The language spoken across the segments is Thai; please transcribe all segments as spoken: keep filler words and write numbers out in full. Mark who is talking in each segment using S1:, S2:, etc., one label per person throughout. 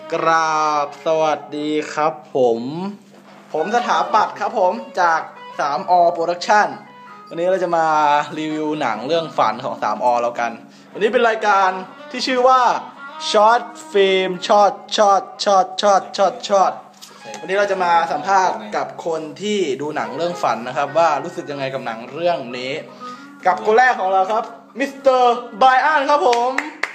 S1: กราบสวัสดีครับผมผมสถาปัตย์ครับผมจาก ทรี อ Production วันนี้เราจะมารีวิวหนังเรื่องฝันของ ทรี อ แล้วกันวันนี้เป็นรายการที่ชื่อว่า Short Film Short Short Short Short Short Short วันนี้เราจะมาสัมภาษณ์กับคนที่ดูหนังเรื่องฝันนะครับว่ารู้สึกยังไงกับหนังเรื่องนี้กับคนแรกของเราครับมิสเตอร์ไบรอันครับผม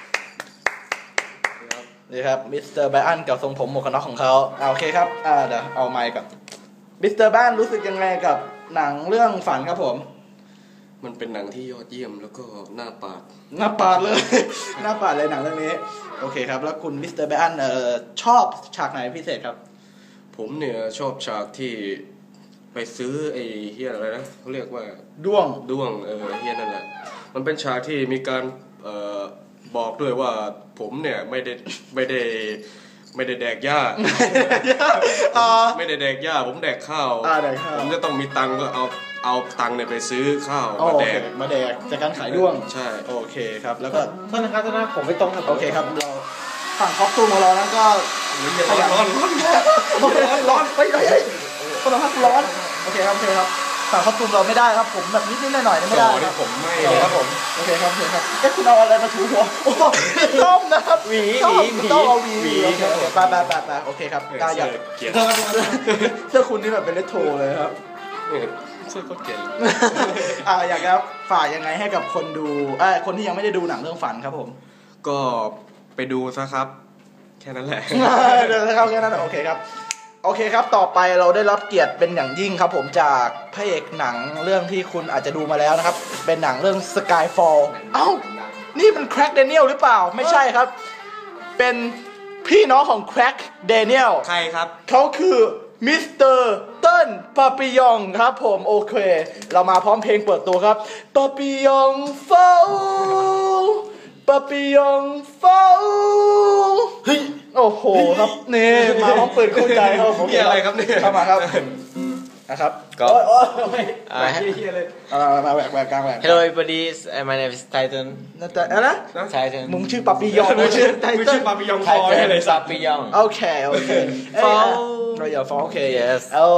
S1: นี่ครับมิสเตอร์ไบรอันกับทรงผมหมวกกันน็อกของเขาอ่าโอเคครับอ่าเดี๋ยวเอาไมค์ก่อนมิสเตอร์ไบรอันรู้สึกยังไงกับหนังเรื่องฝันครับผม
S2: มันเป็นหนังที่ยอดเยี่ยมแล้วก็หน้าปาด
S1: หน้าปาดเลยหน้าปาดเลยหนังเรื่องนี้โอเคครับแล้วคุณมิสเตอร์ไบรอันเอ่อชอบฉากไหนพิเศษครับ
S2: ผมเนี่ยชอบฉากที่ไปซื้อไอ้เฮียอะไรนะเขาเรียกว่า
S1: ด้วง
S2: ด้วงเออเฮียนั่นแหละมันเป็นฉากที่มีการเอ่อบอกด้วยว่าผมเนี่ยไม่ได้ไม่ได้ไม่ได้แดกหญ้าไม่ได้แดกหญ้าผมแดกข้าวผมจะต้องมีตังค์ก็เอาเอาตังค์เนี่ยไปซื้อข้าวมาแดก
S1: มาแดกจากการขายด้วง
S2: ใช่
S1: โอเคครับแล้วก็
S3: ท่านนะครับท่านนะผมไม่ตรงครับ
S1: โอเคครับเราฝั่งคอสตูมของเรานั้นก็
S2: ร้อนร้อน
S1: ร้อนร้อนไปไหนคนละพักร้อนโอเคครับโอเคครับฝั่งคอสตูมเราไม่ได้ครับผมแบบนิดนิดหน่อยหน่อยไม่ได้
S2: ครับผมไม่
S1: ครับผมโอเคครับโอเคครับเอ๊ะคุณเอาอะไรมาถูหัวโอ้ต้มนะครับ
S3: หวีหวีหวี
S1: ต้องเอาหวีหวีโอเคไปไปไปไปโอเคครับได้อยากเสื้อคุณนี่แบบเป็นเลโทเลยครับ
S2: เสื้อก็เก๋
S1: อ่าอยากจะฝากยังไงให้กับคนดูเอ้ยคนที่ยังไม่ได้ดูหนังเรื่องฝันครับผม
S2: ก็ไปดูซะครับแค่นั้นแหละ
S1: เดี๋ยวนะครับแค่นั้นโอเคครับโอเคครับต่อไปเราได้รับเกียรติเป็นอย่างยิ่งครับผมจากพระเอกหนังเรื่องที่คุณอาจจะดูมาแล้วนะครับเป็นหนังเรื่อง Skyfall เอ้านี่มันแคร็กเดเนียลหรือเปล่าไม่ใช่ครับเป็นพี่น้องของแคร็กเดเนียล
S2: ใครครับ
S1: เขาคือมิสเตอร์เติ้ลปาปิยองครับผมโอเคเรามาพร้อมเพลงเปิดตัวครับปาปิยองเฝ้าปาปิยองเฝ้าเฮ้ยโอ้โหครับนี่มาพร้อมปืนคู่ใจครับผม
S2: อะไรครับเนี่ย
S1: เข้ามาครับนะครับ
S3: ก็
S1: โอ้ยเฮียเลยมาแหวกแหวกกลางแหวก
S3: Hello everybody my name is Titan
S1: นั่นแต่อะไรนะ
S3: Titan
S1: มึงชื่อปาปิยองมึงชื่อไทเติ้ล
S2: ชื่อปาปิยองฟอร์
S3: เลยปาปิยอง
S1: โอเคโอเค
S3: Fall
S1: เราอย่า Fall โอเค yes oh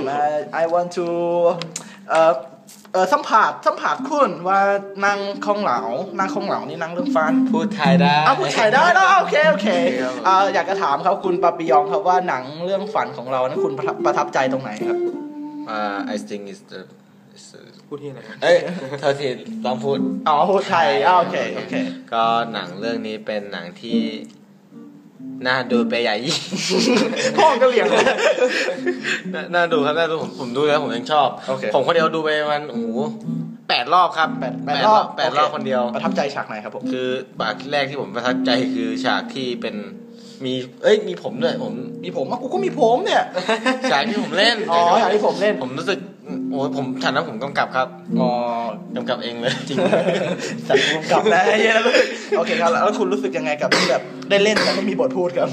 S1: I want to เอ่อเออสัมผัสสัมผัสคุณว่านางคงเหลานางคงเหลานี่นางเรื่องฟัน
S3: พูดไทยได้
S1: อ้าวพูดไทยได้แล้วโอเคโอเคอ่าอยากจะถามครับคุณปาปิยองครับว่าหนังเรื่องฝันของเรานั้นคุณประทับใจตรงไหนครับ
S3: อ่า I think is the
S2: พูดที่ไหน
S3: เอ้ยเธอทีลองพูด
S1: อ๋อพูดไทยอ้าวโอเคโอเค
S3: ก็หนังเรื่องนี้เป็นหนังที่น่าดูไปใหญ่ยิ่ง
S1: พ่อก็เลี้ยง
S3: น่าดูครับน่าดูผมผมดูแล้วผมยังชอบผมคนเดียวดูไปมันโอ้โหแปดรอบครับ
S1: แปดแปดรอบ
S3: แปดรอบคนเดียว
S1: ประทับใจฉากไหนครับผม
S3: คือฉากแรกที่ผมประทับใจคือฉากที่เป็นมีเอ้ยมีผมด้วยผม
S1: มีผมอ่ะกูก็มีผมเนี่ย
S3: ฉากที่ผมเล่น
S1: อ๋อฉากที่ผมเล่น
S3: ผมรู้สึกโอ้ยผมฉากนั้นผมกำกับครับ
S1: อ๋อก
S3: ำกับเองเลย
S1: จริงฉากกำกับนะเยอะรู้สึกโอเคครับแล้วคุณรู้สึกยังไงกับที่แบบได้เล่นแต่ไม่มีบทพูดครับ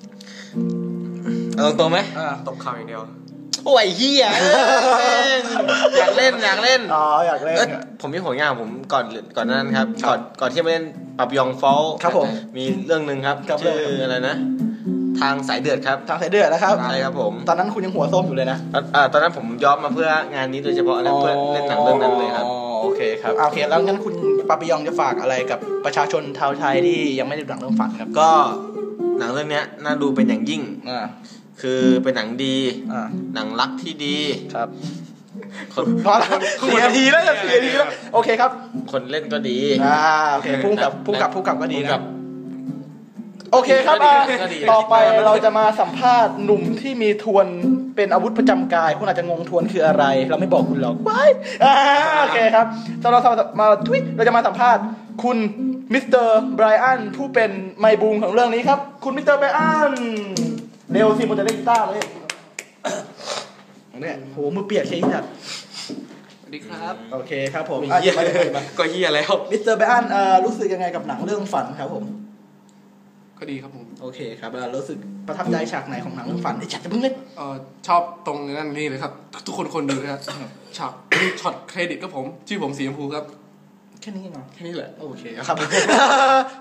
S3: เอาตรงๆไหม
S2: ตบข่าวอย่างเดียว
S3: โอ้ยเฮียอยากเล่นอยากเล่น
S1: อ๋ออยากเล่น
S3: ผมมีผลงานผมก่อนก่อนนั้นครับก่อนก่อนที่จะมาเล่นปาปิยองฟอล
S1: ครับผม
S3: มีเรื่องนึงครับชื่ออะไรนะทางสายเดือดครับ
S1: ทางสายเดือดนะครับ
S3: ใช่ครับผม
S1: ตอนนั้นคุณยังหัวส้มอยู่เลยนะ
S3: อ่าตอนนั้นผมย้อมมาเพื่องานนี้โดยเฉพาะแล้วเพื่อเล่นหนังเรื่องนั้นเลยครับ
S1: อ๋อโอเคครับโอเคแล้วงั้นคุณปาปิยองจะฝากอะไรกับประชาชนชาวไทยที่ยังไม่ได้ดูหนังเรื่องฝันครับ
S3: ก็หนังเรื่องนี้น่าดูเป็นอย่างยิ่ง
S1: อ่า
S3: คือเป็นหนังดีหนังรักที่ดี
S1: ครับพอแล้วสี่นาทีแล้วจะสี่นาทีแล้วโอเคครับ
S3: คนเล่นก็ดี
S1: อ่าโอเคพุ่งกับพุ่งกับพุ่งกับก็ดีนะโอเคครับต่อไปเราจะมาสัมภาษณ์หนุ่มที่มีทวนเป็นอาวุธประจำกายคุณอาจจะงงทวนคืออะไรเราไม่บอกคุณหรอกว้ายโอเคครับเราเรามาทวิตเราจะมาสัมภาษณ์คุณมิสเตอร์ไบรอันผู้เป็นไมบูมของเรื่องนี้ครับคุณมิสเตอร์ไบรอันเร็วสิมันจะเล่นกีตาร์เลยเนี่ยโหมือเปียกเชียร์จัด
S2: สวัสดีครับ
S1: โอเคครับผม
S2: ก็เฮียแล้ว
S1: มิสเตอร์ไบรอันรู้สึกยังไงกับหนังเรื่องฝันครับผม
S2: ก็ดีครับผม
S1: โอเคครับรู้สึกประทับใจฉากไหนของหนังเรื่องฝันไอ้จัดจะเพิ่งเล่น
S2: เออชอบตรงนั้นนี่เลยครับทุกคนคนดูนะครับฉากช็อตเครดิตก็ผมชื่อผมสีชมพูครับ
S1: แค่นี้เหรอ
S2: แค่นี้แหละ
S1: โอเคครับ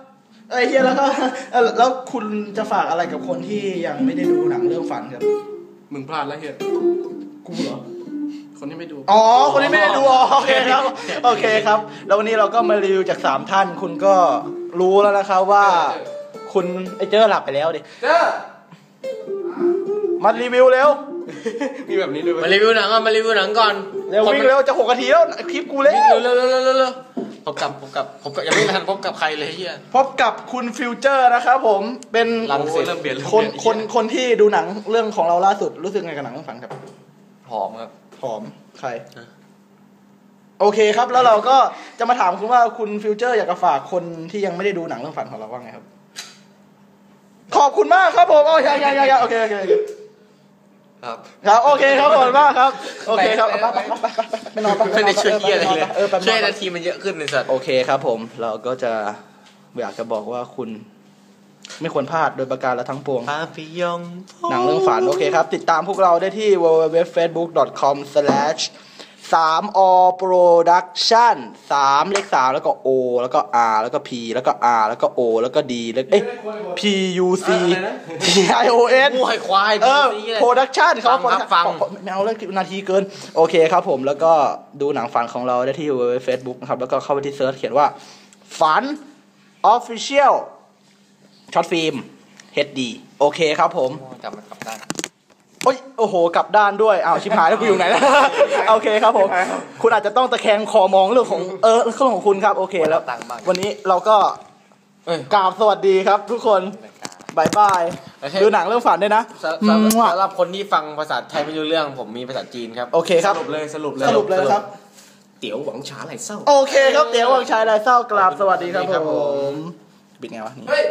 S1: ไอ้เฮียแล้วก็เอ่อแล้วคุณจะฝากอะไรกับคนที่ยังไม่ได้ดูหนังเรื่องฝันครับ
S2: มึงพลาดแล้วเฮีย
S1: กูเหรอ
S2: คนที่ไม่ดู
S1: อ๋อคนที่ไม่ได้ดูอ๋อโอเคครับโอเคครับแล้ววันนี้เราก็มารีวิวจากสามท่านคุณก็รู้แล้วนะครับว่าคุณไอ้เจ้าหลับไปแล้วดิเจ้ามารีวิวเร็ว
S2: มีแบบนี้ด้วย
S3: มารีวิวหนังอ่ะมารีวิวหนังก่อน
S1: เร็ววิ่งเร็วจะหกนาทีแล้วคลิปกูเร็ว
S3: เร็วเร็วเร็วเร็วเร็วพบกับพบกับพบกับยังไม่ทันพบกับใครเลยเฮีย
S1: พบกับคุณฟิวเจอร์นะครับผมเป็นคนคนคนที่ดูหนังเรื่องของเราล่าสุดรู้สึกไงกับหนังเรื่องฝันครับ
S3: หอมครับ
S1: หอมใครโอเคครับแล้วเราก็จะมาถามคุณว่าคุณฟิวเจอร์อยากจะฝากคนที่ยังไม่ได้ดูหนังเรื่องฝันของเราว่าไงครับขอบคุณมากครับผมโอ้ยยังยังยังโอเคโอเค
S2: ครับ
S1: ครับโอเคครับขอบคุณมากครับโอเคครับไปไปไปไปนอนไป
S3: ไม่ได้ช่วยเฮียอะไรเลยช่วยนาทีมันเยอะขึ้นในสัตว์
S1: โอเคครับผมเราก็จะอยากจะบอกว่าคุณไม่ควรพลาดโดยประการและทั้งปวงหนังเรื่องฝันโอเคครับติดตามพวกเราได้ที่ ดับเบิลยู ดับเบิลยู ดับเบิลยู ดอท เฟซบุ๊ก ดอท คอม สแลช สาม อ โปรดักชั่น สามเลขสามแล้วก็ O แล้วก็ R แล้วก็ P แล้วก็ R แล้วก็ O แล้วก็ D แล้วเอ๊ะ P U C P I O N
S3: มวยควาย
S1: เออ Production เขาฟังไม่เอาเลยนาทีเกินโอเคครับผมแล้วก็ดูหนังฝันของเราได้ที่ ดับเบิลยู ดับเบิลยู ดับเบิลยู ดอท เฟซบุ๊ก นะครับแล้วก็เข้าไปที่เซิร์ชเขียนว่าฝัน Official ช็อตฟิล์ม เอช ดี โอเคครับผม
S3: กลับมากลับด้าน
S1: โอ้ยโอ้โหกลับด้านด้วยอ้าวชิบหายแล้วกูอยู่ไหนแล้วโอเคครับผมคุณอาจจะต้องตะแคงคอมองเรื่องของเออเรื่องของคุณครับโอเคแล้ววันนี้เราก็กราบสวัสดีครับทุกคนบายบายดูหนังเรื่องฝันด้วยนะ
S3: สำหรับคนที่ฟังภาษาไทยไม่รู้เรื่องผมมีภาษาจีนครับ
S1: โอเคครับ
S2: สรุปเลยสรุปเลย
S1: สรุปเลยครับ
S2: เตี๋ยวหวังฉาไหลเศร้า
S1: โอเคครับเตี๋ยวหวังฉาไหลเศร้ากราบสวัสดีครับผมปิดไงวะนี่